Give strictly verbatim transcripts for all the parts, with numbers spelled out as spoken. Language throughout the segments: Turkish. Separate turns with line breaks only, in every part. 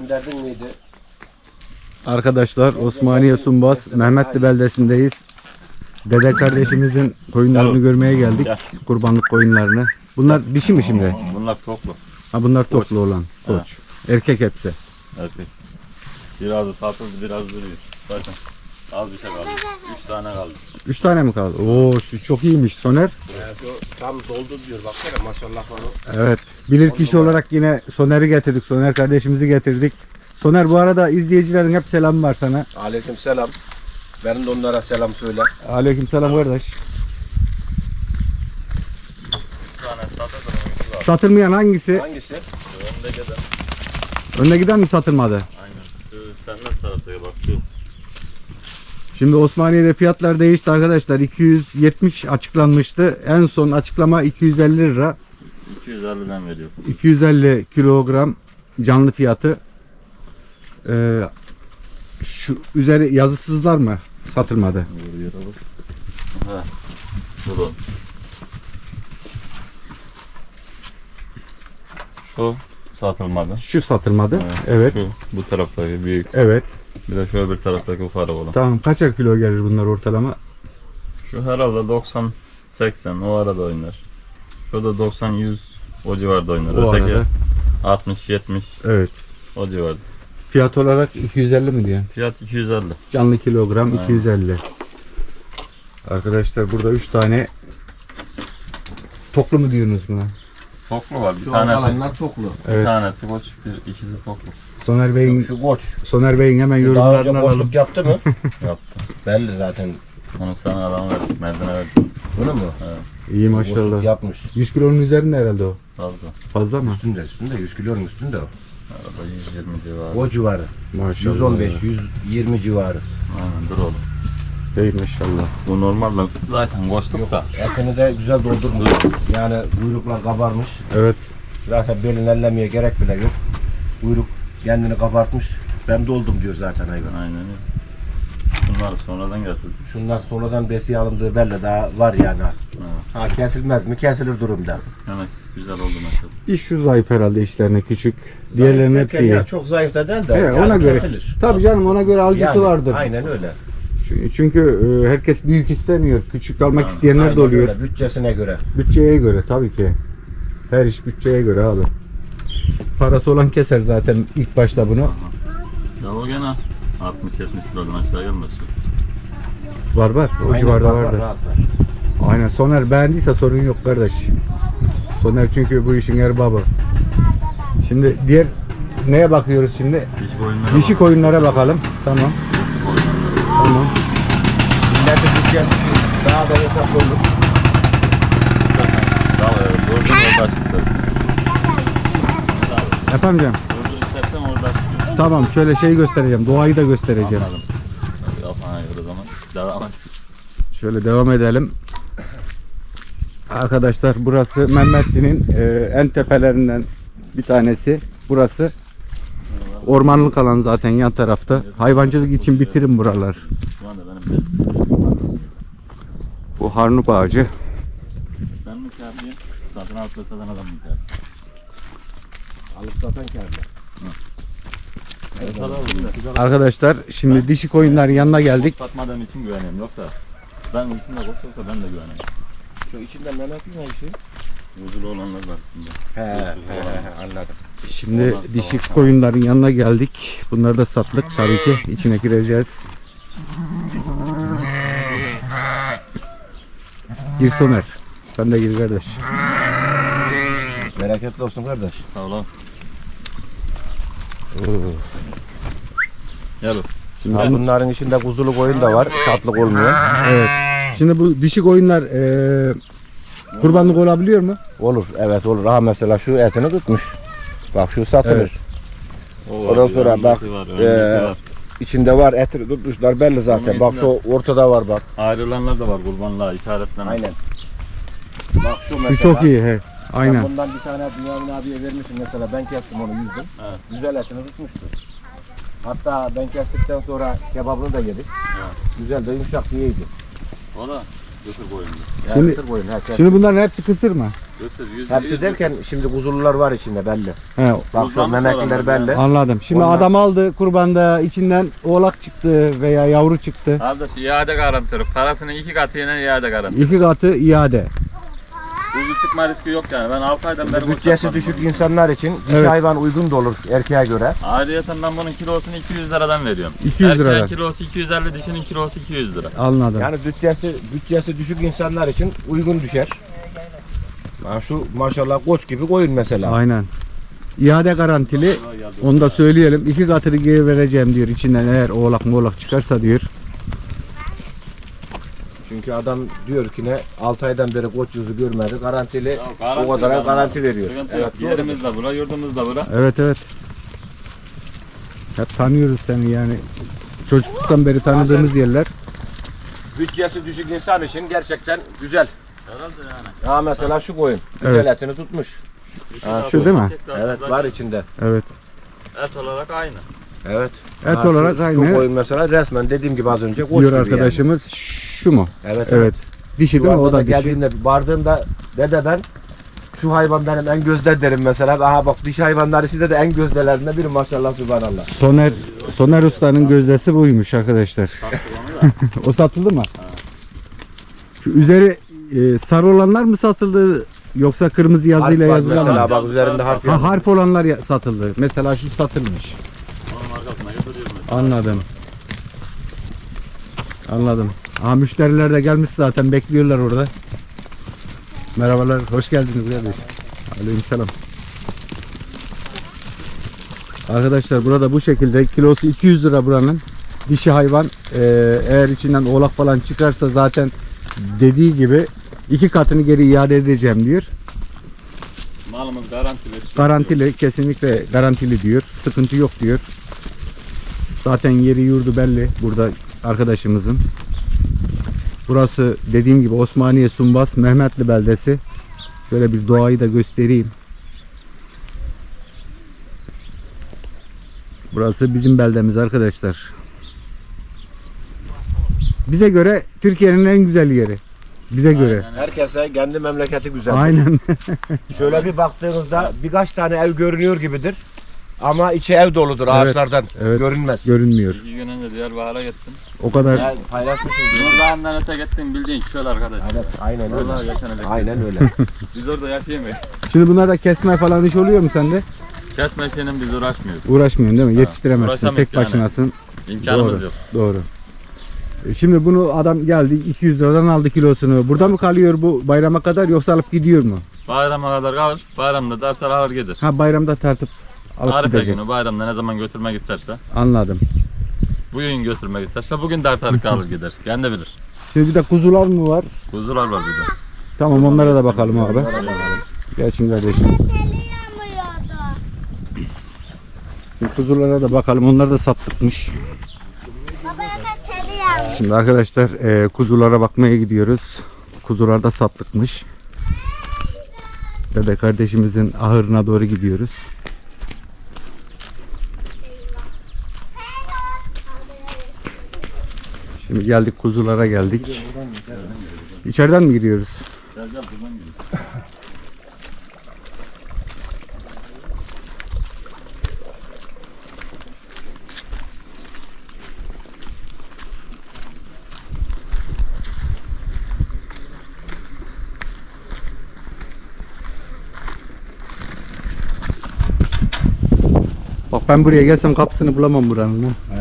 gönderdin miydi?
Arkadaşlar Osmaniye Sumbaz Mehmetli beldesindeyiz. Dede kardeşimizin koyunlarını görmeye geldik. Kurbanlık koyunlarını. Bunlar dişi mi şimdi?
Bunlar toplu.
Ha bunlar toplu olan. Koç. Erkek hepsi.
Erkek. Birazı satıldı, biraz duruyor. Zaten az bir şey kaldı. Üç tane kaldı.
Üç tane mi kaldı? Oo şu çok iyiymiş Soner.
Evet, o tam doldu diyor baksana maşallah onu.
Evet. Bilir kişi olarak yine Soner'i getirdik. Soner kardeşimizi getirdik. Soner bu arada izleyicilerin hep selamı var sana.
Aleyküm selam. Benim de onlara selam söyle.
Aleyküm selam kardeş.
Bir tane satıldı.
Satılmayan hangisi?
Hangisi?
Önde giden.
Önde giden mi satılmadı?
Aynen. Şu senden taraftaya bak şu.
Şimdi Osmaniye'de fiyatlar değişti arkadaşlar. iki yüz yetmiş açıklanmıştı. En son açıklama iki yüz elli lira.
iki yüz elliden veriyor.
iki yüz elli kilogram canlı fiyatı. Ee, şu üzeri yazısızlar mı? Satılmadı.
Ha. Dur. Şu satılmadı.
Şu satılmadı.
Evet.
Evet.
Şu bu taraftaki büyük.
Evet.
Bir de şöyle bir taraftaki ufak olan.
Tamam. Kaçar kilo gelir bunlar ortalama?
Şu herhalde doksan seksen o arada oynar. Şu da doksan yüz o civarda oynar.
O
Öteki
arada.
altmış yetmiş
Evet.
o civarda.
Fiyat olarak iki yüz elli mi diyor?
Fiyat iki yüz elli.
Canlı kilogram
Aynen.
iki yüz elli. Arkadaşlar burada üç tane toklu mu diyorsunuz buna?
Toklu var. Bir
Şu
tanesi,
alanlar toklu.
bir
Evet.
tanesi koç, bir, ikisi toklu.
Soner Bey'in
Şu koç.
Soner Bey'in hemen
Daha önce
yorumlarını alalım.
koçluk yaptı mı?
Yaptı.
Belli zaten.
Onu sana adam verdik, Merdan'a verdik.
Bunu mu?
İyi
Koçluk
maşallah.
yapmış.
yüz kilonun üzerinde herhalde o.
Fazla.
Fazla mı?
Üstünde üstünde yüz kilonun üstünde o.
Arada yüz yirmi civarı.
O civarı.
Maşallah.
yüz on beş yüz yirmi civarı.
Aynen dur oğlum.
Değil maşallah.
Bu normalde zaten koçluk da.
Etini de güzel doldurmuş. Yani kuyruklar kabarmış.
Evet.
Zaten belini ellemeye gerek bile yok. Kuyruk kendini kabartmış. Ben doldum diyor zaten hayvan.
Aynen öyle. Bunları sonradan getirdik.
Şunlar sonradan besiye alındığı belli daha var yani.
Evet.
Ha kesilmez mi? Kesilir durumda.
Hemen güzel oldu mesela.
Bir şu zayıf herhalde işlerine küçük. Diğerlerinin
Zayıf
hepsi
derken
iyi.
ya çok zayıf da değil de
Evet,
yani
ona göre.
kesilir.
Tabii canım ona göre alıcısı
Yani,
vardır.
Aynen öyle.
Çünkü- Çünkü e, herkes büyük istemiyor. Küçük almak isteyenler
Aynen
de oluyor.
öyle, bütçesine göre.
Bütçeye göre tabii ki. Her iş bütçeye göre abi. Parası olan keser zaten ilk başta bunu.
Ya o gene altmış yetmiş kilodan aşağı gelmez.
Var var. O
Aynen,
civarda
var, var,
vardır.
rahat var.
Aynen. Soner beğendiyse sorun yok kardeş. Soner çünkü bu işin erbabı. Şimdi diğer neye bakıyoruz şimdi?
Dişi koyunlara
Dişi
bak.
koyunlara bakalım. Tamam.
Dişi koyunlara.
Tamam.
Milletin bütçesi daha da hesap olur.
Zaten daha evet. Gördün orada çıktı.
Efendim canım.
Gördün istersen orada çıkıyor.
Tamam şöyle şey göstereceğim. Doğayı da göstereceğim.
Anladım. Tabii kafana göre o zaman. Devam et.
Şöyle devam edelim. Arkadaşlar burası Mehmetli'nin e, en tepelerinden bir tanesi. Burası ormanlık alan zaten yan tarafta. Hayvancılık için bitirin buralar.
Şu anda benim de.
Bu harnup ağacı.
Ben mi kârlıyım? Satın alıp da satan adam mı kârlı?
Alıp satan kârlı.
Arkadaşlar şimdi dişi koyunların yanına geldik.
Satmadığım için güveneyim. Yoksa ben içinde koşuyorsa ben de güveneyim.
Şu içinde Mehmet ne işi?
Huzurlu olanlar var içinde.
He he he anladım.
Şimdi dişi koyunların yanına geldik. Bunları da sattık tabii ki. İçine gireceğiz. Gir Soner. Sen de gir kardeş.
Bereketli olsun kardeş.
Sağ olun. Gel oğlum. Şimdi
Ha, bunların içinde kuzulu koyun da var. Tatlık olmuyor.
Evet. Şimdi bu dişi koyunlar eee kurbanlık olabiliyor mu?
Olur evet olur. Ha mesela şu etini tutmuş. Bak şu satılır.
Evet.
o
Ondan sonra
öndeki
bak,
var, öndeki
eee,
var.
İçinde var etini tutmuşlar belli zaten.
Onun
Bak
içinde-
şu ortada var bak.
Ayrılanlar da var kurbanlığa işaretlenen.
Aynen. Bak şu mesela.
Şu çok iyi he.
Ben
Aynen.
bundan bir tane Bünyamin abiye vermişim mesela. Ben kestim onu yüzdüm.
Evet.
Güzel etini tutmuştu. Hatta ben kestikten sonra kebabını da yedik.
Evet.
Güzel de yumuşak diyeydi.
O da götür koyundu.
Şimdi-
Şimdi, koyun, ha, kes.
Şimdi bunların hepsi kısır mı?
Kısır, yüz,
Hepsi
yüz,
derken şimdi kuzulular var içinde belli.
He,
Bak şu
Kurban mı
memekliler
soranlar
belli.
anladım. Şimdi
Onlar-
adam aldı kurbanda içinden oğlak çıktı veya yavru çıktı.
Kardeş iade garantörü. Parasının iki katıyla iade garantörü.
İki katı iade.
Kuzu çıkma riski yok yani. Ben altı aydan beri kuzu
Bütçesi
satmadım
düşük
bunu.
insanlar için dişi
Evet.
hayvan uygun da olur erkeğe göre.
Ayrıyeten ben bunun kilosunu iki yüz liradan veriyorum.
iki yüz
Erkeğin
liradan.
kilosu iki yüz elli, dişinin kilosu iki yüz lira.
Anladım.
Yani bütçesi bütçesi düşük insanlar için uygun düşer. Ha şu maşallah koç gibi koyun mesela.
Aynen. İade garantili. Onu da söyleyelim. İki katını geri vereceğim diyor. İçinden eğer oğlak moğlak çıkarsa diyor.
Çünkü adam diyor ki ne altı aydan beri koç yüzü görmedi. Garantili
garanti
o kadar
var.
garanti veriyor.
Sıkıntı
Evet,
yok.
doğru.
Yerimiz de bura, yurdumuz da bura.
Evet evet. Hep tanıyoruz seni yani. Çocukluktan beri tanıdığımız yerler.
Bütçesi düşük insan için gerçekten güzel.
Herhalde yani.
Ha mesela şu koyun. Güzel
Evet.
etini tutmuş.
Şu değil mi?
Evet var içinde.
Evet.
Et olarak aynı.
Evet.
Et
Ha,
olarak
şu,
aynı.
Şu koyun mesela resmen dediğim gibi az önce koç
Diyor
gibi
arkadaşımız. Şu mu?
Yani. Evet.
Evet. Dişi
Şu
değil mi? O
anda
da
da
dişi.
geldiğimde vardığımda dede ben şu hayvan benim en gözde derim mesela. Aha bak dişi hayvanları sizde de en gözdelerinden biri maşallah subhanallah.
Soner Soner Usta'nın gözdesi buymuş arkadaşlar. O satıldı mı? Şu üzeri e, sarı olanlar mı satıldı yoksa kırmızı yazıyla
Harf var
yazılan
mesela
mı?
bak üzerinde harf
Ha,
yazıyor.
harf olanlar ya- satıldı. Mesela şu satılmış.
Onun arkasına götürüyoruz mesela.
Anladım. Anladım. Aha müşteriler de gelmiş zaten bekliyorlar orada. Merhabalar, hoş geldiniz kardeş. Aleykümselam. Arkadaşlar burada bu şekilde kilosu iki yüz lira buranın. Dişi hayvan eee, eğer içinden oğlak falan çıkarsa zaten dediği gibi iki katını geri iade edeceğim diyor.
Malımız garantili.
Garantili, kesinlikle garantili diyor. Sıkıntı yok diyor. Zaten yeri yurdu belli burada arkadaşımızın. Burası dediğim gibi Osmaniye Sumbas Mehmetli beldesi. Şöyle bir doğayı da göstereyim. Burası bizim beldemiz arkadaşlar. Bize göre Türkiye'nin en güzel yeri. Bize göre.
Herkese kendi memleketi güzel.
Aynen.
Şöyle bir baktığınızda birkaç tane ev görünüyor gibidir. Ama içi ev doludur
Evet,
ağaçlardan.
evet.
Görünmez.
Görünmüyor.
İki gün önce Diyarbakır'a gittim.
O kadar.
Yani paylaşmışım.
Nurdağ'ından öte gittim bildiğin şöyle arkadaş.
Evet, aynen
Vallahi
öyle.
geçen öyle.
Aynen öyle.
Biz orada yaşayamayız.
Şimdi bunlarda kesme falan iş oluyor mu sende?
Kesme işinin biz uğraşmıyoruz.
Uğraşmıyorsun değil mi? Yetiştiremezsin.
uğraşamayız
Tek
yani.
başınasın.
İmkanımız
Doğru.
yok.
Doğru. E, Şimdi bunu adam geldi iki yüz liradan aldı kilosunu. Burada mı kalıyor bu bayrama kadar yoksa alıp gidiyor mu?
Bayrama kadar kalır. Bayramda da artar alır gider.
Ha bayramda tartıp alıp
Arife
gidecek.
günü bayramda ne zaman götürmek isterse.
Anladım.
Bugün götürmek isterse bugün de artar alır gider. Kendi bilir.
Şimdi bir de kuzular mı var?
Kuzular var bir de.
Tamam onlara da bakalım abi. Gelsin kardeşim. Şimdi kuzulara da bakalım. Onlar da sattıkmış. Şimdi arkadaşlar e, kuzulara bakmaya gidiyoruz. Kuzular da sattıkmış. Dede kardeşimizin ahırına doğru gidiyoruz. Şimdi geldik kuzulara geldik. İçeriden mi giriyoruz?
Gel gel buradan gel.
Bak ben buraya gelsem kapısını bulamam buranın. ha.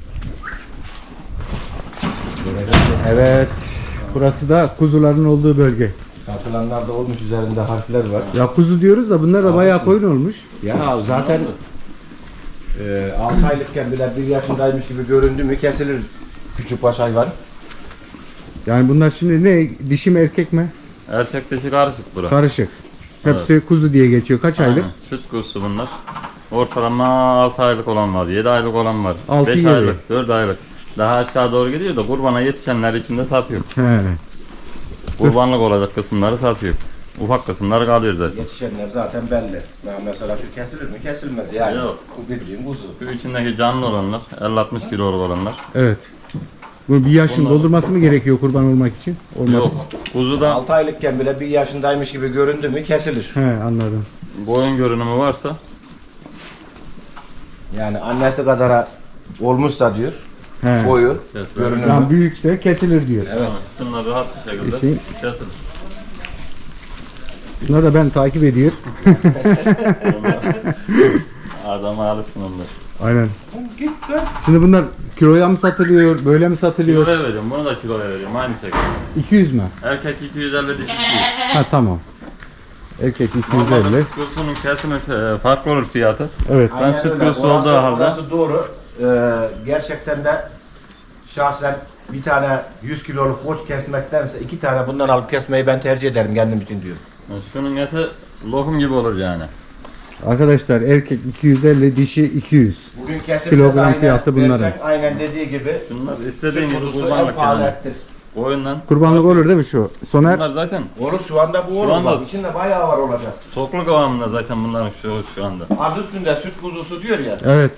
Evet. Burası da kuzuların olduğu bölge.
Satılanlar da olmuş üzerinde harfler var.
Ya kuzu diyoruz da bunlar da bayağı koyun olmuş.
Ya zaten e, altı aylıkken bile bir yaşındaymış gibi göründü mü kesilir küçükbaş hayvan.
Yani bunlar şimdi ne? Dişi mi erkek mi?
Erkek dişi karışık bura.
Karışık. Hepsi kuzu diye geçiyor. Kaç aylık?
Aynen. Süt kuzusu bunlar. Ortalama altı aylık olan var, yedi aylık olan var,
Altı,
beş
yedi.
aylık, dört aylık. Daha aşağı doğru gidiyor da kurbana yetişenler içinde satıyor.
He.
Kurbanlık olacak kısımları satıyor. Ufak kısımları kalıyor zaten.
Yetişenler zaten belli. Ya mesela şu kesilir mi? Kesilmez yani.
Yok.
Bu bildiğin kuzu.
Şu içindeki canlı olanlar, elli altmış kiloluk olanlar.
Evet. Bunu bir yaşın
Bunlar-
doldurması mı gerekiyor kurban olmak için? Olmaz.
Yok. Kuzuda
altı aylıkken bile bir yaşındaymış gibi göründü mü kesilir.
He, anladım.
boyun görünümü varsa
Yani annesi kadara olmuşsa diyor.
He.
Boyu,
kesilir.
görünümü.
Yani büyükse kesilir diyor.
Evet. Şunlar rahat bir şekilde
Eşeğin-
kesilir.
Bunları da ben takip ediyor.
Adama alışsın onlar.
Aynen.
Git lan.
Şimdi bunlar kiloya mı satılıyor, böyle mi satılıyor?
Kiloya veriyorum. Bunu da kiloya veriyorum. Aynı şekilde.
iki yüz mü?
Erkek iki yüz elli, dişi iki yüz.
Ha tamam. Erkek iki yüz
Normalde
elli.
süt kuzusunun kesimi e, farklı olur fiyatı.
Evet.
Ben süt
öyle.
kuzusu
Orası-
olduğu halde-
Orası doğru. Ee, gerçekten de şahsen bir tane yüz kiloluk koç kesmektense iki tane bundan alıp kesmeyi ben tercih ederim kendim için diyor.
Yani şunun eti lokum gibi olur yani.
Arkadaşlar erkek iki yüz elli, dişi iki yüz.
Bugün kesim
Kilogram fiyatı bunların.
Aynen dediği gibi
Şunlar istediğin
süt
gibi
kuzusu en
kurbanlık
pahalı
yani.
ettir.
Boyundan.
Kurbanlık olur değil mi şu? Soner.
Bunlar zaten
Olur şu anda bu
Şu
olur
anda-
bak içinde bayağı var olacak.
tokluk kıvamında zaten bunların şu şu anda.
Adı üstünde süt kuzusu diyor ya.
Evet.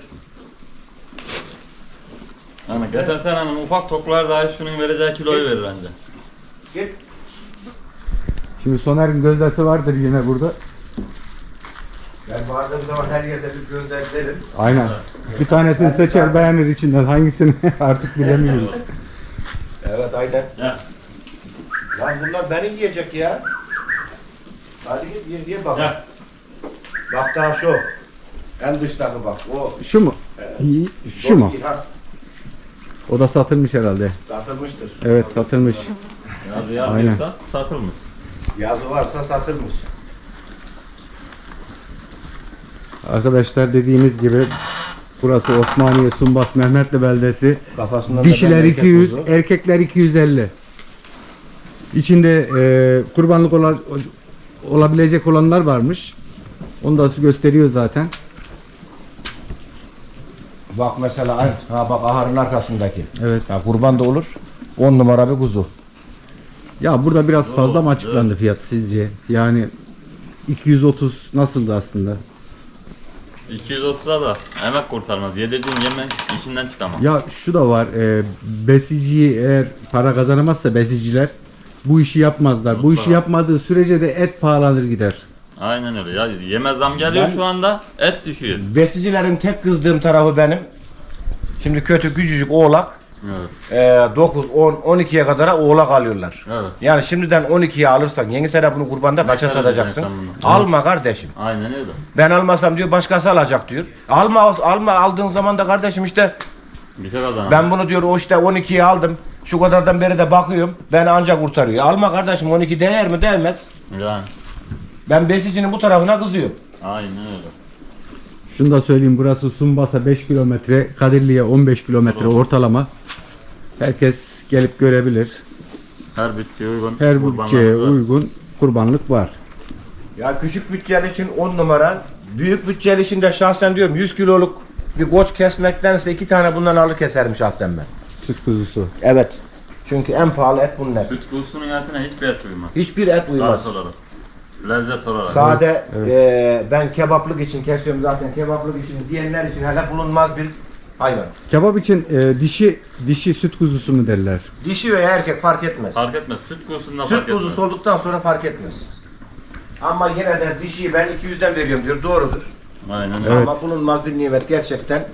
Yani geçen senenin ufak toklar dahi şunun vereceği kiloyu verir anca.
Git.
Şimdi Soner'in gözdesi vardır yine burada.
Ben vardığım zaman her yerde bir gözlemlerim.
Aynen. Bir tanesini seçer beğenir içinden. Hangisini artık bilemiyoruz.
Evet aynen.
Ya.
Lan bunlar beni yiyecek ya. Hadi git ye, ye bak.
Ya.
Bak daha şu. En dıştaki bak. O.
Şu mu? Şu mu?
Ha,
O da satılmış herhalde.
satılmıştır.
Evet, satılmış.
Yazı
Aynen.
yazıyorsa satılmış.
Yazı varsa satılmış.
Arkadaşlar dediğimiz gibi burası Osmaniye Sumbas Mehmetli beldesi.
Kafasından
Dişiler
da ben
iki yüz,
erkek
erkekler iki yüz elli. İçinde e, kurbanlık ola- olabilecek olanlar varmış. Onu da gösteriyor zaten.
kuzu. Bak mesela ay, ha bak ahırın arkasındaki.
Evet.
Ha, kurban da olur. on numara bir kuzu.
Ya burada biraz fazla mı
Evet.
açıklandı fiyat sizce? Yani iki yüz otuz nasıldı aslında?
iki yüz otuza da emek kurtarmaz. Yedirdiğin yemek işinden çıkamaz.
Ya şu da var. E, besiciyi eğer para kazanamazsa besiciler bu işi yapmazlar. Bu işi yapmadığı sürece de et pahalanır gider.
Aynen öyle. Ya yeme zam geliyor
Ben-
şu anda. Et düşüyor.
Besicilerin tek kızdığım tarafı benim. Şimdi kötü küçücük oğlak.
Evet.
dokuz, on, on ikiye kadar oğlak alıyorlar.
Evet.
Yani şimdiden on ikiye alırsan yeni sene bunu kurbanda kaça
kadar
satacaksın?
vereceksin bunu?
Alma kardeşim.
Aynen öyle.
Ben almasam diyor başkası alacak diyor. Alma alma aldığın zaman da kardeşim işte
Bir şey kazanamaz.
ben bunu diyor o işte on ikiye aldım. Şu kadardan beri de bakıyorum. Beni ancak kurtarıyor. Alma kardeşim on iki değer mi değmez.
Yani.
Ben besicinin bu tarafına kızıyorum.
Aynen öyle.
Şunu da söyleyeyim, burası Sumbas'a beş kilometre, Kadirli'ye on beş kilometre ortalama. Herkes gelip görebilir.
Her bütçeye uygun.
Her
kurbanlar
bütçeye
var.
uygun kurbanlık var.
Ya küçük bütçeli için on numara. Büyük bütçeli için de şahsen diyorum yüz kiloluk bir koç kesmektense iki tane bundan alır keserim şahsen ben.
Süt kuzusu.
Evet. Çünkü en pahalı et bunlar.
Süt kuzusunun etine hiçbir et uymaz.
Hiçbir et uymaz.
Tat olarak. Lezzet olarak.
Sade eee, ben kebaplık için kesiyorum zaten kebaplık için diyenler için hele bulunmaz bir hayvan.
Kebap için e, dişi dişi süt kuzusu mu derler?
Dişi veya erkek fark etmez.
Fark etmez. Süt kuzusundan
Süt
fark etmez.
kuzusu olduktan sonra fark etmez. Ama yine de dişiyi ben iki yüzden veriyorum diyor. Doğrudur.
Aynen öyle.
Evet.
Ama bulunmaz bir nimet gerçekten.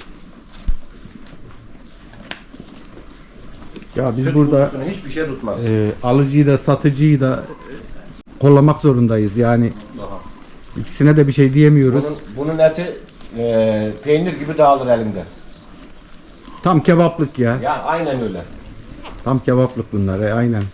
Ya biz
Süt
burada
kuzusunu hiçbir şey tutmaz.
e, alıcıyı da satıcıyı da e, kollamak zorundayız. Yani ikisine de bir şey diyemiyoruz.
Bunun, bunun eti eee, peynir gibi dağılır elinde.
Tam kebaplık ya.
Ya aynen öyle.
Tam kebaplık bunlar. E, aynen.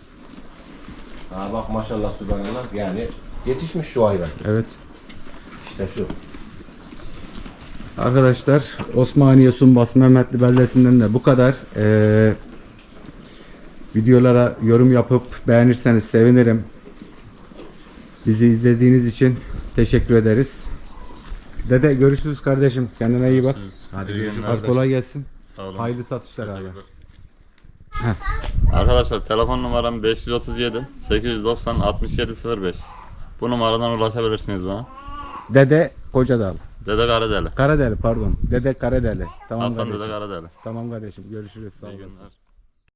Ha bak maşallah subhanallah yani yetişmiş şu hayvan.
Evet.
İşte şu.
Arkadaşlar Osmaniye Sumbas Mehmetli beldesinden de bu kadar. Ee, videolara yorum yapıp beğenirseniz sevinirim. Bizi izlediğiniz için teşekkür ederiz. Dede görüşürüz kardeşim. Kendine iyi bak.
Hadi
İyi
görüşürüz.
günler.
Hadi kolay gelsin.
Sağ olun.
Hayırlı satışlar abi.
Arkadaşlar telefon numaram beş yüz otuz yedi sekiz yüz doksan altmış yedi sıfır beş. Bu numaradan ulaşabilirsiniz bana.
Dede Kocadağ.
Dede Karadeli.
Karadeli pardon. Dede Karadeli. Tamam
Hasan
kardeşim.
Dede Karadeli.
Tamam kardeşim. Görüşürüz. Sağ
İyi
olasın.
günler.